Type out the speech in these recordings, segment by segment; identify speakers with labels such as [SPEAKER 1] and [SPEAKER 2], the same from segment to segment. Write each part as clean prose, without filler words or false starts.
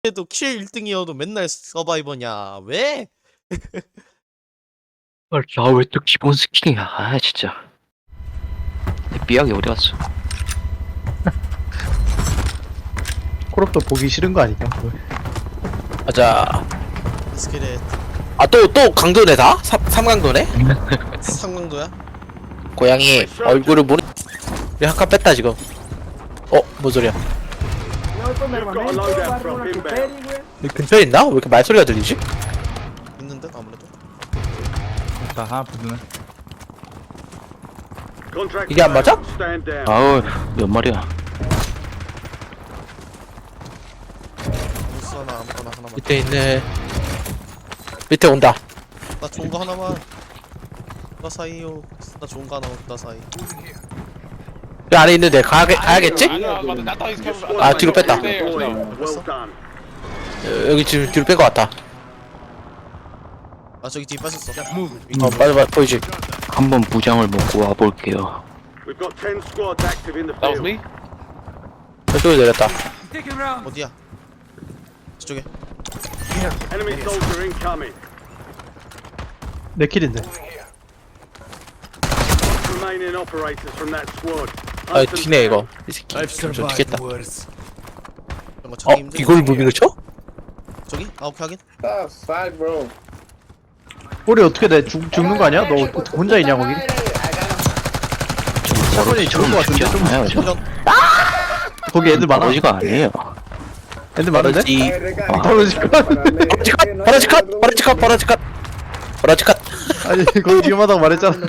[SPEAKER 1] 해도 킬 1등이어도 맨날 서바이버냐 왜?
[SPEAKER 2] 야, 왜 또 기본 스킨이야? 아, 진짜. 내 삐약이 어디 갔어?
[SPEAKER 3] 콜업도 보기 싫은 거 아니냐?
[SPEAKER 4] 가자.
[SPEAKER 1] 스킬에
[SPEAKER 4] 또 강도네 다? 삼강도네?
[SPEAKER 1] 상강도야?
[SPEAKER 4] 고양이 얼굴을 모르. 우리 한 칸 뺐다 지금. 뭔 소리야? 이 근처에 있나? 왜 이렇게 말소리가 들리지?
[SPEAKER 1] 있는데 아무래도.
[SPEAKER 4] 이게 안 맞아?
[SPEAKER 2] 아우, 몇 마리야?
[SPEAKER 1] 무스 하나 아무거나 하나만.
[SPEAKER 4] 밑에 있네. 밑에 온다.
[SPEAKER 1] 나 좋은 거 하나만. 나 사이요. 나 좋은 거 하나만 나 사이.
[SPEAKER 4] 이 안에 있는데 가야겠지? 아, 뒤로 뺐다. 여기 지금 뒤로 뺀 거 같다.
[SPEAKER 1] 아 저기 뒤에 빠졌어.
[SPEAKER 4] 맞아 보이지?
[SPEAKER 2] 한번 무장을 먹고 와볼게요.
[SPEAKER 4] 저쪽에 내렸다.
[SPEAKER 1] 어디야? 저쪽에.
[SPEAKER 3] 내 킬인데.
[SPEAKER 4] 아, 튀네 이거. 이 새끼 좀 튀겠다.
[SPEAKER 1] 이런 거 찾기 힘들어.
[SPEAKER 4] 이걸 무빙을 쳐?
[SPEAKER 1] 저기? 아 오케이 하긴.
[SPEAKER 3] 우리 어떻게 돼? 죽는 거 아니야? 너 혼자 있냐 거기? 사건이 좋은 거 같은데 좀.
[SPEAKER 2] 않아요, 저?
[SPEAKER 1] 이런
[SPEAKER 3] 거기 애들 많아.
[SPEAKER 2] 버러지가 아니에요.
[SPEAKER 3] 애들 많은데?
[SPEAKER 4] 이
[SPEAKER 3] 떨어질 거.
[SPEAKER 4] 버라지컷.
[SPEAKER 3] 아니 거기 위험하다고 말했잖아.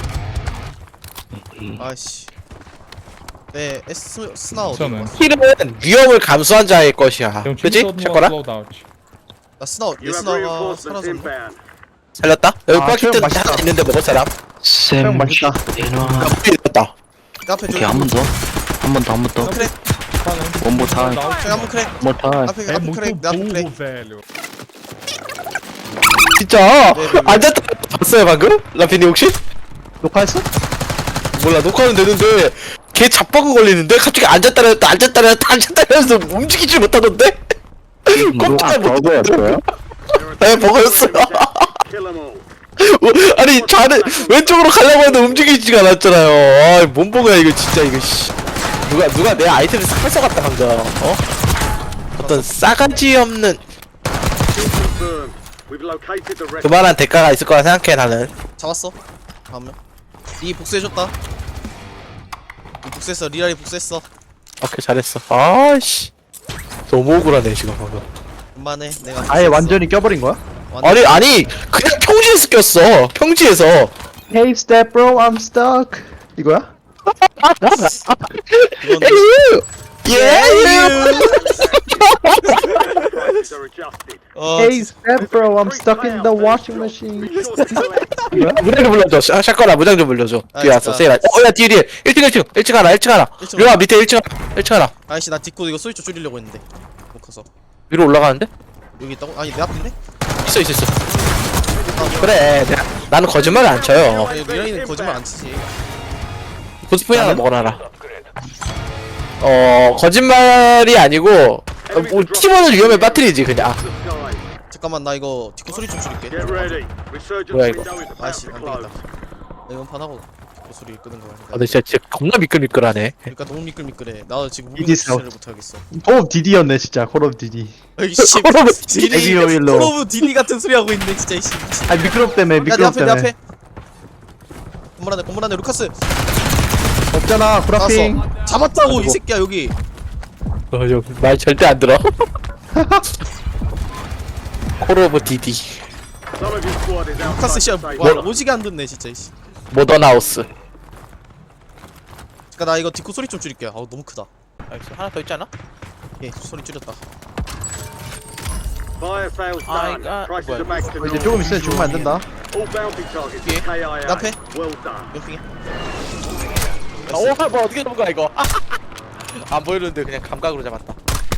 [SPEAKER 1] 아이씨. 네 스나 어디?
[SPEAKER 4] 힐은 위험을 감수한 자의 것이야. 그지? 샷거라?
[SPEAKER 1] 나 스나가 사라졌네.
[SPEAKER 4] 살렸다? 여기
[SPEAKER 3] 아,
[SPEAKER 4] 파키트
[SPEAKER 3] 맛있다.
[SPEAKER 4] 하나 있는데 먹을 사람?
[SPEAKER 3] 형 맛있다.
[SPEAKER 2] 에너.
[SPEAKER 4] 있다.
[SPEAKER 1] 앞에
[SPEAKER 2] 오케이,
[SPEAKER 1] 저기.
[SPEAKER 2] 한 번 더. 한 번 더, 한 번 더.
[SPEAKER 1] 크랙.
[SPEAKER 2] 원모 타임.
[SPEAKER 1] 저기 한번 크랙.
[SPEAKER 2] 원모 타임.
[SPEAKER 1] 앞에 크랙. 내 앞에 크랙.
[SPEAKER 4] 진짜?
[SPEAKER 1] 네.
[SPEAKER 4] 앉았다 봤어요 방금? 라피니 혹시?
[SPEAKER 3] 녹화했어?
[SPEAKER 4] 몰라 녹화는 되는데 걔 잡버그 걸리는데 갑자기 앉았다 해서 움직이지 못하던데? 꼼짝 못하던데? 네 버거였어요. 아니 좌는 왼쪽으로 가려고 했는데 움직이지가 않았잖아요. 아, 뭔 버거야 이거 진짜 이거 씨. 누가 내 아이템을 싹 뺏어갔다 방금. 어떤 싸가지 없는 그만한 대가가 있을 거라 생각해 나는.
[SPEAKER 1] 잡았어. 한 명. 이 복수해줬다. 이 복수했어. 리알이 복수했어.
[SPEAKER 4] 오케이 잘했어. 아씨 너무 억울하네 지금 방금.
[SPEAKER 1] 그만해. 내가
[SPEAKER 3] 아예
[SPEAKER 1] 복수했어.
[SPEAKER 3] 완전히 껴버린 거야?
[SPEAKER 4] 아니 그냥 평지에서 꼈어. 평지에서.
[SPEAKER 3] Hey step bro, I'm stuck. 이거야?
[SPEAKER 1] 이건
[SPEAKER 4] 예.
[SPEAKER 3] Hey step bro, I'm stuck in the washing machine.
[SPEAKER 4] 무장 좀 불러줘. 샷건아 무장 좀 불러줘. 뒤에 왔어.
[SPEAKER 1] 알겠어.
[SPEAKER 4] 세이라. 야 뒤에 1층 하나. 1층 하나. 류아 밑에 1층 하나.
[SPEAKER 1] 아이씨 나 딛고 이거 소리 좀 줄이려고 했는데 못 커서.
[SPEAKER 4] 위로 올라가는데?
[SPEAKER 1] 여기 있다고? 아니 내 앞인데?
[SPEAKER 4] 있어. 그래. 나는 거짓말을 안 쳐요.
[SPEAKER 1] 아니 리알이는 거짓말 안 치지.
[SPEAKER 4] 고스프레 하나 먹어놔라. 거짓말이 아니고 팀원을 위험에 빠뜨리지 그냥.
[SPEAKER 1] 잠깐만 나 이거 딛고 소리 좀 줄일게.
[SPEAKER 4] 뭐야, 이거?
[SPEAKER 1] 아이씨 안 되겠다. 나 이건 판하고 뒷고 소리 끄는 거야.
[SPEAKER 4] 근데 진짜 겁나 미끌미끌하네.
[SPEAKER 1] 그러니까 너무 미끌미끌해. 나 지금 무빙
[SPEAKER 3] 이디스
[SPEAKER 1] 자체를 못하겠어.
[SPEAKER 3] 콜 오브 디디였네 진짜. 콜 오브 디디.
[SPEAKER 1] 이씨
[SPEAKER 4] 콜 오브
[SPEAKER 3] 에비오일로.
[SPEAKER 1] 콜 오브 디디 같은 소리 하고 있네 진짜 이씨.
[SPEAKER 3] 아 미끄럽 때문에
[SPEAKER 1] 야내
[SPEAKER 3] 미끄럽
[SPEAKER 1] 앞에 내
[SPEAKER 3] 때문에.
[SPEAKER 1] 앞에. 건물 안에 루카스
[SPEAKER 3] 없잖아 브라핑.
[SPEAKER 1] 나왔어. 잡았다고 이 새끼야 여기.
[SPEAKER 4] 말 절대 안 들어. 콜 오브 디디.
[SPEAKER 1] 루카스 씨야 오지게 안 듣네 진짜 이씨.
[SPEAKER 4] 모던하우스.
[SPEAKER 1] 그니까 나 이거 뒷고 소리 좀 줄일게. 아우 너무 크다.
[SPEAKER 4] 알겠어. 하나 더 있잖아.
[SPEAKER 1] 예 소리 줄였다.
[SPEAKER 3] 이제 조금 있으면 죽으면 안 된다.
[SPEAKER 1] 뒤에 내 앞에 옆핑에.
[SPEAKER 4] 뭐 어떻게 잡은 거야 이거? 안 보이는데 그냥 감각으로 잡았다.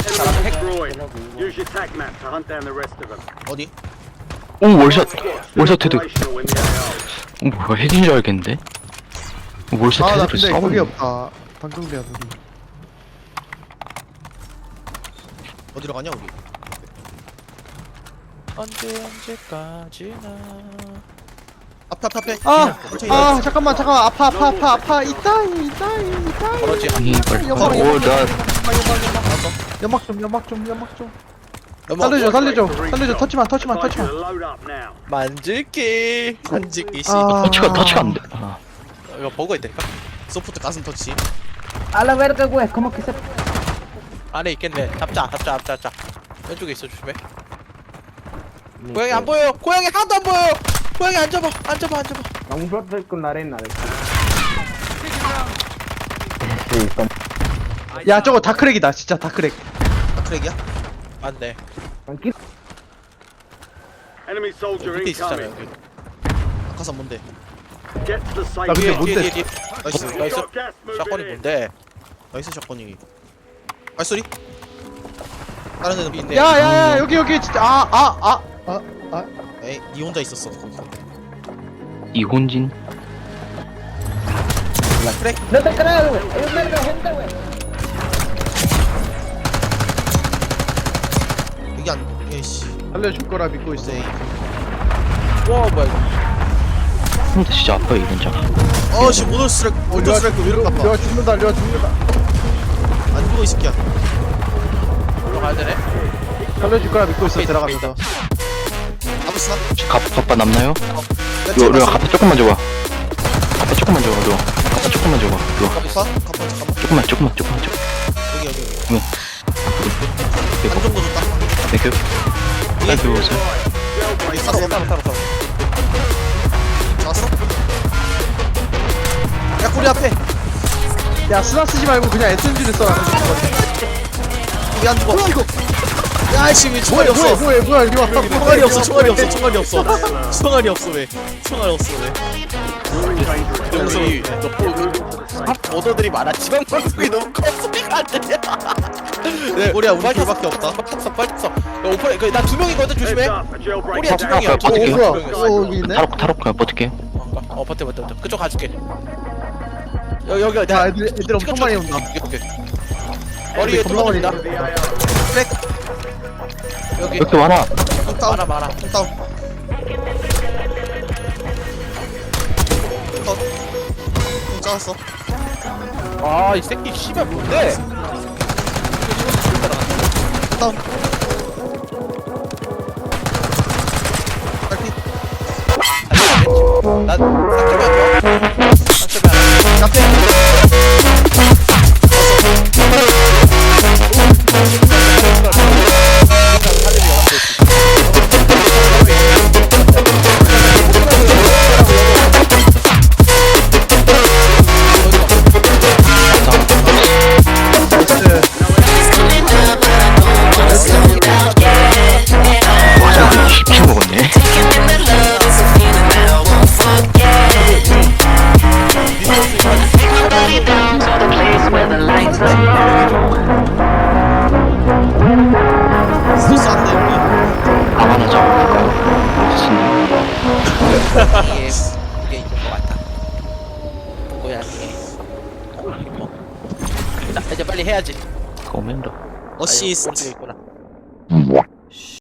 [SPEAKER 1] 어디?
[SPEAKER 2] 오, 월샷 헤드. 뭐야, 핵인 줄 알겠는데? 월샷
[SPEAKER 3] 아 나
[SPEAKER 2] 헤드를
[SPEAKER 3] 근데 거기
[SPEAKER 2] 쏴버리네.
[SPEAKER 3] 없다. 방송대야 거기.
[SPEAKER 1] 어디로 가냐 우리?
[SPEAKER 4] 언제까지나.
[SPEAKER 1] 앞에
[SPEAKER 3] 아 잠깐만 아파 이따이
[SPEAKER 4] 그렇지.
[SPEAKER 2] 아니 빨리
[SPEAKER 3] 연막
[SPEAKER 2] 오나
[SPEAKER 3] 연막 좀 살려줘 터치만
[SPEAKER 1] 만질게 만질게 씨
[SPEAKER 3] 아.
[SPEAKER 2] 터치가 안돼
[SPEAKER 4] 이거 버그 있다니까?
[SPEAKER 1] 소프트 가슴 터치
[SPEAKER 5] A la verga, güey, ¿cómo que se...?
[SPEAKER 4] 안에 있겠네. 잡자. 왼쪽에 있어, 조심해. 고양이 안 보여요. 고양이 하나도 안 보여요. 고양이 앉아봐.
[SPEAKER 5] Un bloque con la arena.
[SPEAKER 3] 야 저거 다크랙이다 진짜 다크랙
[SPEAKER 1] 트랙이야?
[SPEAKER 4] 맞네.
[SPEAKER 5] Tranquilo.
[SPEAKER 6] Enemy soldier
[SPEAKER 4] 밑에 있었잖아,
[SPEAKER 6] incoming.
[SPEAKER 4] 여기.
[SPEAKER 1] 아카산 뭔데?
[SPEAKER 6] Get to the safe
[SPEAKER 3] 나 근데
[SPEAKER 6] zone.
[SPEAKER 3] 뭔데?
[SPEAKER 4] 뒤에.
[SPEAKER 1] 나이스
[SPEAKER 4] 나이스.
[SPEAKER 6] Got gas moving
[SPEAKER 4] 샷건이
[SPEAKER 6] in.
[SPEAKER 4] 뭔데?
[SPEAKER 1] 나이스 샷건이 발소리? 다른 애는 있네
[SPEAKER 3] 야야야 여기 진짜
[SPEAKER 1] 에이 니 혼자 있었어
[SPEAKER 2] 이혼진
[SPEAKER 1] 트랙
[SPEAKER 5] No te creo, güey. Hay un verga de gente, güey.
[SPEAKER 1] 여기 안 에이씨
[SPEAKER 3] 살려줄 거라 믿고 있어
[SPEAKER 1] 에이
[SPEAKER 4] 와, 뭐야, 이거.
[SPEAKER 2] 근데 진짜 아파 이혼자
[SPEAKER 1] 어씨 모노 스트라이크 모노 스트라이크 왜 이렇게 아파
[SPEAKER 3] 려 죽는다
[SPEAKER 1] 안 죽어 이 새끼야
[SPEAKER 4] 들어가야 되네.
[SPEAKER 3] 살려줄 거라 믿고 있어 들어가면서
[SPEAKER 1] 아브스나?
[SPEAKER 2] 갑바 남나요? 요 갑바 조금만 줘봐 갑바 조금만 줘봐 요 갑바 조금만 줘봐 요
[SPEAKER 1] 갑바 잠깐만
[SPEAKER 2] 조금만 줘
[SPEAKER 1] 여기
[SPEAKER 2] 이거
[SPEAKER 1] 한 정도 줬다
[SPEAKER 2] 땡큐 땡큐 오세요
[SPEAKER 1] 여기 쐈어 잡았어? 야 꼬리 앞에
[SPEAKER 3] 야 스나 쓰지 말고 그냥 SMG를 써
[SPEAKER 1] 여기 안 죽어 야이씨 왜 총알이 없어
[SPEAKER 3] 뭐야 이리 와
[SPEAKER 1] 총알이 없어 총알이 없어 왜
[SPEAKER 4] 여기, 오더들이 많았지만, 방송이 너무 커. 소리가 안 들려. 네,
[SPEAKER 1] 꼬리야 우리 둘밖에 없다
[SPEAKER 4] 빨리 탔어. 야, 오퍼레, 나 2명이거든,
[SPEAKER 6] Heads
[SPEAKER 4] 조심해.
[SPEAKER 6] up, a jailbreak
[SPEAKER 4] 꼬리야,
[SPEAKER 6] is
[SPEAKER 4] 2명이야.
[SPEAKER 2] 버틸게요.
[SPEAKER 3] 뭐야 여기 있네
[SPEAKER 2] 타로 그냥 버틸게요
[SPEAKER 4] 버텨. 그쪽 가줄게. 여기,
[SPEAKER 3] 야 애들 엄청 많이 온다
[SPEAKER 4] 오케이. 머리에
[SPEAKER 3] 겁나 많이
[SPEAKER 4] 뚫어진다.
[SPEAKER 1] 트랙
[SPEAKER 4] 여기.
[SPEAKER 2] 왜 이렇게 많아
[SPEAKER 1] 다운
[SPEAKER 4] 많아.
[SPEAKER 1] 다운 컷 짜왔어
[SPEAKER 4] 아, 이 새끼 씨발 뭔데?
[SPEAKER 1] 다운 딸피
[SPEAKER 4] 난 상점이 안 좋아. 상점이 안
[SPEAKER 1] 앞에
[SPEAKER 2] 와 쉽게 먹었네
[SPEAKER 1] 스트레스 안돼 여기
[SPEAKER 2] 방 하나 잡아볼까요?
[SPEAKER 4] 이게 이건 것 같아. 고양이. 이거. 자, 이제 빨리 해야지.
[SPEAKER 2] 거맨더
[SPEAKER 1] 어시스트
[SPEAKER 4] 있구나.